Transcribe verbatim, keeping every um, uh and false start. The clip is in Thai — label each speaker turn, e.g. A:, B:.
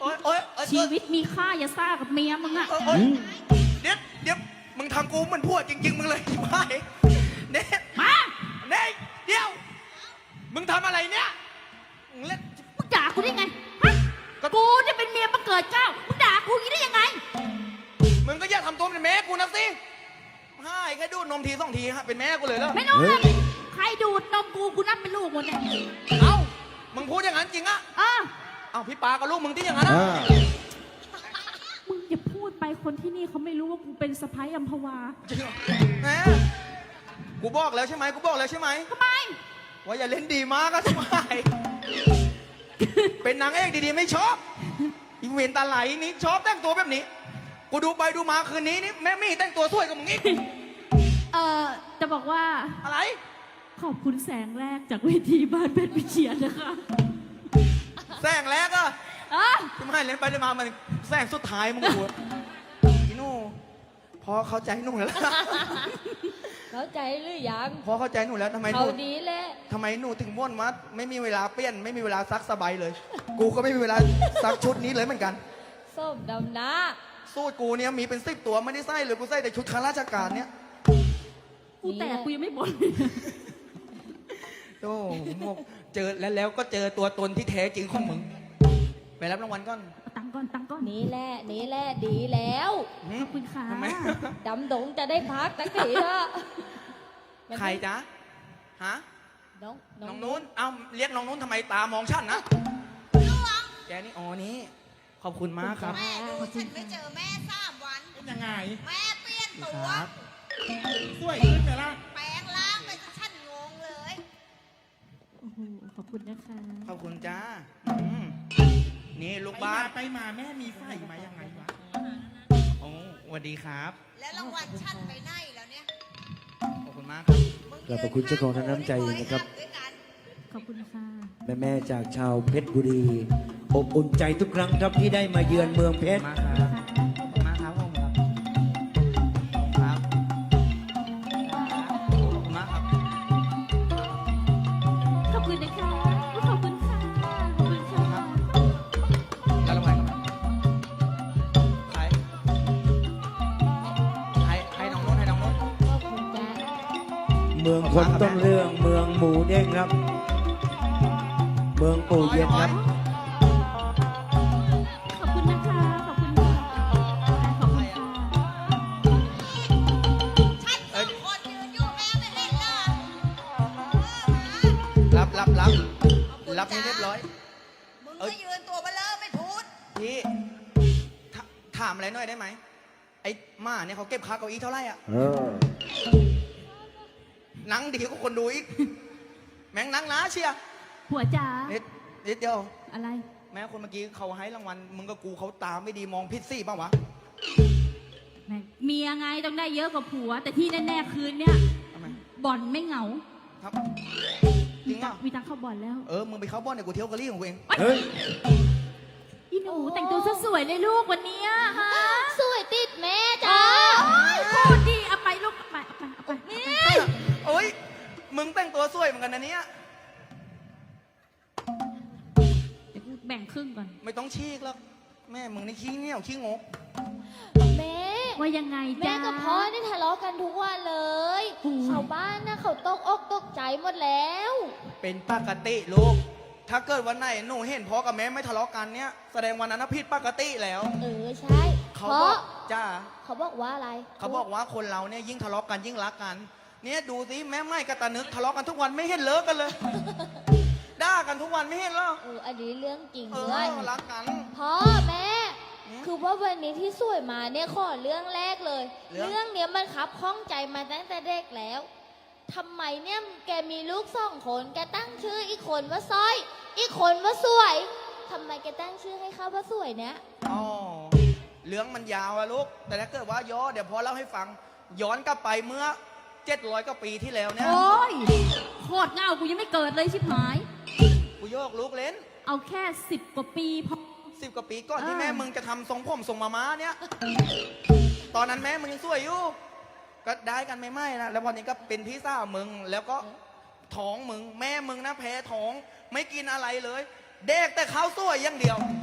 A: โอ๊ยโอ๊ยโอ๊ย
B: ชีวิตมีค่าอย่าซ่ากับเมียมึงอะ
A: โอ๊ยเดี๋ยวเดี๋ยวมึงทำกูมันพูดจริงๆมึงเลยชิบหายเน่
B: มา
A: เน่เดี๋ยวมึงทำอะไรเนี่ยมึงเล่น
B: มึงด่ากูได้ไงฮะกูจะเป็นเมียประเกิดเจ้ามึงด่ากูอย่างนี้ได้ยังไง
A: มึงก็อย่าทำตัวเป็นแม่กูนะสิให้แค่ดูดนมทีสองทีฮะเป็นแม่กูเลยแล้ว
B: ไม่รู้เลยใครดูดนมกูกูนับเป็นลูกหมดเนี่ย
A: เอ้ามึงพูดอย่างนั้นจริงอะ
B: เออ
A: เอ้าพี่ปากับลูกมึงที่อย่างนั้นนะ
B: มึงอย่าพูดไปคนที่นี่เขาไม่รู้ว่ากูเป็นสะพ้ายอัมพวา
A: จริงเหรอแหมกูบอกแล้วใช่ไหมกูบอกแล้วใช่ไหม
B: ทำไม
A: ว่าอย่าเล่นดีมากก็ใช่ไหมเป็นนางเอกดีๆไม่ชอบอีเวนตาไหลนี่ชอบแต่งตัวแบบนี้กูดูไปดูมาคืนนี้นี่แม่มี่แต่งตัวสวยกว่ามึงอีก
B: เออจะบอกว่า
A: อะไร
B: ขอบคุณแสงแรกจากเวทีบ้านเพชรวิเชียรนะคะ
A: แสงแรกอะ
B: เออ
A: ที่ไม่เล่นไปเล่นมามันแสงสุดท้ายมึงกูพี่หนูพอเข้าใจหนูแล้ว
C: เข้าใจหรือยัง
A: พอเข้าใจหนูแล้วทำไมห
C: เขา
A: นู
C: ดีแหละ
A: ทำไมหนูถึงว่นว่าไม่มีเวลาเปลี่ยน ไม่มีเวลาซักสบายเลย กูก็ไม่มีเวลาซักชุดนี้เลยเหมือนกัน
C: ส้มดำนะ
A: สูตรกูเนี่ยมีเป็นสิบตัวไม่ได้ใส่เลยกูใส่แต่ชุดข้าราชการเนี่ย
B: กูแตกกูยังไม่บ่นเลย
A: โอ้โหเจอแล้วแล้วก็เจอตัวตนที่แท้จริงของมึง ไปรับรางวัลก่อน
B: เอาตังค์ก่อนตังค์ก่อน
C: นี่แหละนี่แหละดีแล้ว
A: หื
B: ขอบคุณค่ะ
A: ทำไม
C: ดำดงจะได้พักตั้งทีเถอะ
A: ใครจ๊ะฮะ
C: น้อง
A: น้องนู้นเอ้าเรียกน้องนู้นทำไมตามองฉันนะแกนี่อ๋อนี่ขอบคุณมากครับ
D: แม่ดูฉันไม่เจอแม่สามวัน
E: เป็นยังไง
D: แม่เปลี่ยนตัว
A: ครับ
E: สวยขึ้นไหมล่ะ
D: แปลงร่างไปจนฉันงงเลย
B: โอ้โหขอบคุณนะคะ
A: ขอบคุณจ้าอืมนี่ลูก
E: ไป
A: บ้าม
E: าน ไปมาแม่มีไฟมายังไงวะ
A: โอ้สวัสดีครับ
D: แล้วรางวัลฉันไปไหนแล้วเนี่ย
A: ขอบคุณมากครับ
D: มึง
F: ขอบพระคุณเจ้าของน้ำใจนะครับ
D: ด้วยกัน
B: ขอบคุณค่ะ
F: แม่แม่ๆจากชาวเพชรบุรีอบอุ่นใจทุกครั้งครับที่ได้มาเยือนเมืองเพชร
A: มากครับขอบคุณมากครับผมครับครับขอบคุณมากครับ
B: ขอบคุณนะคะขอบคุณค่ะขอบคุณค่ะ
A: แล้วรางวัลครับใครให้ให้น้องนุ่นให้น้องนุ่น
C: ขอบคุณจ้า
F: เมืองคนต้นเรื่องเมืองหมูเด้งครับ เมืองปูเย็นครับ
B: ขอบคุณนะคะขอบคุณค่ะขอบคุณค่ะ
D: ฉันสองคนยืนอยู่แม่ไม่เห็นเหรอเออมา
A: รับรับรับรับให้เรียบร้อย
D: มึงก็ยืนตัวเบลอไม่พูด
A: พี่ถถามอะไรหน่อยได้ไหมไอ้หมาเนี่ยเขาเก็บค่าเก้าอี้เท่าไหร่อ่ะ
F: เออ
A: หนังดีกว่าคนดูอีกแม่งหนังหนาเชียร์
B: ผัวจ๋า
A: นิดนิดเดียว
B: อะไร
A: แม้คนเมื่อกี้เขาให้รางวัลมึงกับกูเขาตามไม่ดีมองพิษซี่ป่าวะ
B: แม่งเมียไงต้องได้เยอะกว่าผัว แต่ที่แน่ๆคืนเนี้ย
A: ทำไม
B: บ่อนไม่เหงา
A: ครับจริงอ่ะ
B: มีตังค์เข้าบ่อนแล้ว
A: เออมึงไปเข้าบ้านเดี๋ยวกูเที่ยวกะลี่ของกูเอง
F: เฮ้ย
B: อีหนูแต่งตัวสวยๆเลยลูกวันเนี้ยฮะ
C: สวยติดแม่
B: โอ้
C: จ้าย
B: พูดดีเอาไปลูกเอาไปเอาไปเอาไปนี่
A: โอ้ยมึงแต่งตัวสวยเหมือนกันนะเนี่ย
B: เดี๋ยวกูแบ่งครึ่งก่อน
A: ไม่ต้องชี้หรอกแม่มึงนี่ขี้เหนียวขี้งก
C: แม่
B: ว่ายังไง
C: แม่
B: จ๊ะ
C: กับพ่อนี่ทะเลาะกันทุกวันเลย
B: โอ้ย
C: ชาวบ้านนะเขาตกอกตกใจหมดแล้ว
A: เป็นปกติลูกถ้าเกิดวันไหนหนูเห็นพ่อกับแม่ไม่ทะเลาะกันเนี่ยแสดงวันนั้นนะผิดปกติแล้ว
C: เออใช่
A: เขา
C: เพ
A: บอ
C: ราะ
A: กจ้า
C: เขาบอกว่าอะไร
A: เขาบอกว่าคนเราเนี่ยยิ่งทะเลาะกันยิ่งรักกัน เนี่ยดูสิแม่ไม่กับตานึกทะเลาะกันทุกวันไม่เห็นเลิกกันเลย ด่ากันทุกวันไม่เห็นหรอ
C: เอออันนี้เรื่องจริง
A: เอ
C: ด้วย
A: อรักกัน
C: พ่อแม่
A: อืม
C: คือว่าวันนี้ที่สวยมาเนี่ยขอเรื่องแรกเลย
A: เรื่อง
C: เรื่องเนี้ยมันคับข้องใจมาตั้งแต่เด็กแล้วทำไมเนี่ยแกมีลูกสองคนแกตั้งชื่ออีกคนว่าสร้อย อีกคนว่าสวยทำไมแกตั้งชื่อให้เขาว่าสวยเนี่ย
A: อ๋อเรื่องมันยาวอะลูก แต่ถ้าเกิดว่าย้อนเดี๋ยวพอเล่าให้ฟัง ย้อนกลับไปเมื่อเจ็ดร้อยกว่าปีที่แล้วเนี่ย
B: โอ้ยโคตรเงากูยังไม่เกิดเลยชิบหาย
A: กูโยกลูกเล่น
B: เอาแค่สิบกว่าปีพอ
A: สิบกว่าปีก่อนที่
B: อ่า
A: แม่มึงจะทำทรงผมทรงมาม้าเนี่ย ตอนนั้นแม่มึงยังสวยอยู่ ก็ได้กันไม่ไม่นะ แล้ววันนี้ก็เป็นพี่สาวมึง แล้วก็ท้องมึง แม่มึงนะแพ้ท้อง ไม่กินอะไรเลย เด็กแต่ข้าวสวยอย่างเดียว